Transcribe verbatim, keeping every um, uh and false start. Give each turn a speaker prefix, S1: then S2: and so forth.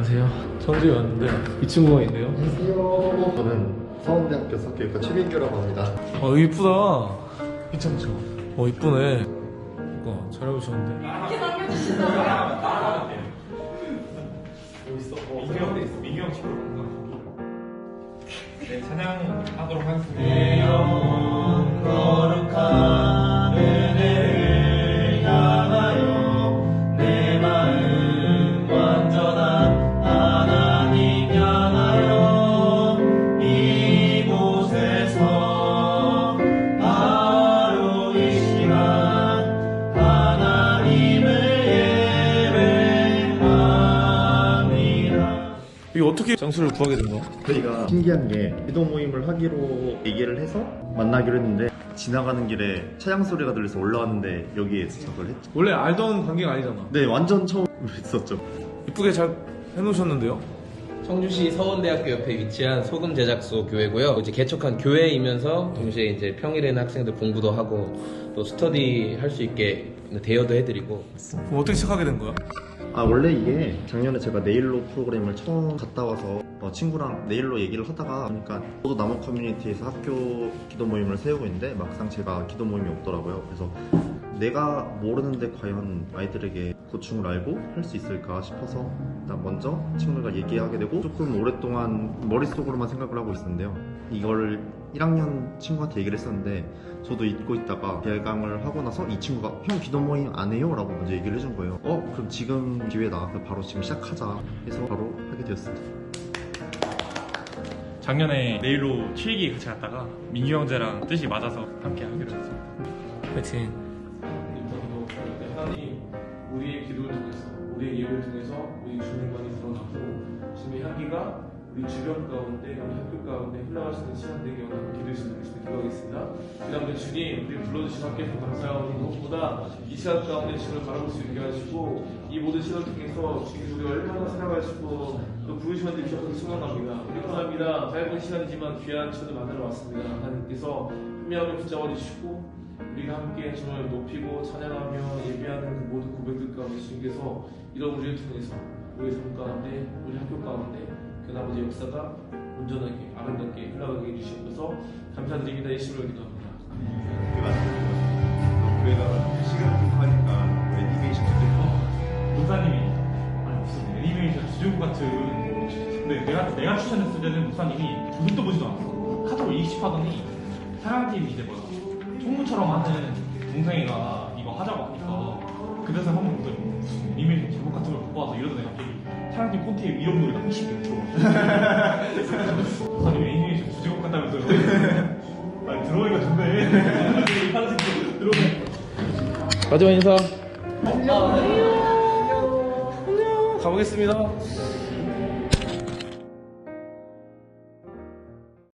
S1: 안녕하세요. 청주에 왔는데 이 친구가 있네요.
S2: 안녕하세요. 저는 서원대학교 석교육과 최민규라고 합니다.
S1: 어 이쁘다. 괜찮죠? 어 이쁘네. 이거 잘 해보셨는데.
S3: 이렇게 남겨주신다고요?
S4: 여기 있어. 민규 형, 민규 형 집으로 간 거야. 네, 찬양하도록 하겠습니다. 내 영혼 거룩한 은혜를 향하여 내 마음 완전한 하나님 향하여 이곳에서 바로 이 시간 하나님을 예배합니다.
S1: 이거 어떻게 장소를 구하게 된 거야?
S2: 저희가 신기한 게 기도 모임을 하기로 얘기를 해서 만나기로 했는데 지나가는 길에 차량 소리가 들려서 올라왔는데 여기에 도착을 했죠.
S1: 원래 알던 관계가 아니잖아.
S2: 네, 완전 처음 했었죠.
S1: 이쁘게 잘 해놓으셨는데요?
S5: 청주시 서원대학교 옆에 위치한 소금 제작소 교회고요. 이제 개척한 교회이면서 동시에 이제 평일에는 학생들 공부도 하고 또 스터디 할 수 있게 대여도 해드리고.
S1: 그럼 어떻게 시작하게 된 거야?
S2: 아, 원래 이게 작년에 제가 네일로 프로그램을 처음 갔다 와서 어, 친구랑 네일로 얘기를 하다가 보니까 저도 남원 커뮤니티에서 학교 기도 모임을 세우고 있는데 막상 제가 기도 모임이 없더라고요. 그래서 내가 모르는데 과연 아이들에게 고충을 알고 할 수 있을까 싶어서 일단 먼저 친구들과 얘기하게 되고 조금 오랫동안 머릿속으로만 생각을 하고 있었는데요. 이걸 일 학년 친구한테 얘기를 했었는데 저도 잊고 있다가 개강을 하고 나서 이 친구가 형 기도 모임 안 해요? 라고 먼저 얘기를 해준 거예요. 어? 그럼 지금 기회다. 바로 지금 시작하자 해서 바로 하게 되었습니다.
S4: 작년에 네일로 칠기 같이 갔다가 민규 형제랑 뜻이 맞아서 함께 하기로 했습니다.
S1: 파이팅.
S6: 하나님 우리의 기도를 통해서 우리의 예배를 통해서 우리 주님만이 드러나고 주님의 향기가 우리 주변 가운데 우리 학교 가운데 흘러갈 수 있는 시간 되게 원하는 기도해 주시는 것을 기도하겠습니다. 그 다음에 주님 우리 불러주신 함께해서 감사하오니 무엇보다 이 시간 가운데 주님을 바라볼 수 있게 하시고 이 모든 시간을 통해서 주님 우리가 얼마나 살아가시고 또 부르시는 데 주셔서 수고합니다. 우리 감사합니다. 짧은 시간이지만 귀한 시간을 만나러 왔습니다. 하나님께서 분명히 붙잡아 주시고 우리가 함께 주님을 높이고 찬양하며 예배하는 그 모든 고백들 가운데 주님께서 이런 우리를 통해서 우리의 삶 가운데 우리 학교 가운데 그 나머지 역사가 온전하게 아름답게 흘러가게 해주시옵소서. 감사드립니다. 예수님을 기도합니다.
S7: 교회가 시간을 좀 하니까 애니메이션 주제고
S4: 목사님이 아니 무슨 애니메이션 주제곡 같은 근데 내가 내가 추천했을 때는 목사님이 보도 보지도 않았어. 카톡을 이십하더니 사랑팀 이제 뭐야 총무처럼 하는 동생이가 이거 하자고 하니까 그래서 한번 보더니 무슨 애니메이션 제목 같은 걸 보고 와서 이러던 애가 갑자기 사랑팀 콘티에 이런 노래가 이십 개 들어왔어. 목사님 애니메이션 주제곡 같다면서요. 아니 들어오니까 좋네. 하나씩 들어오네.
S1: 마지막 인사. 안녕. 가보겠습니다.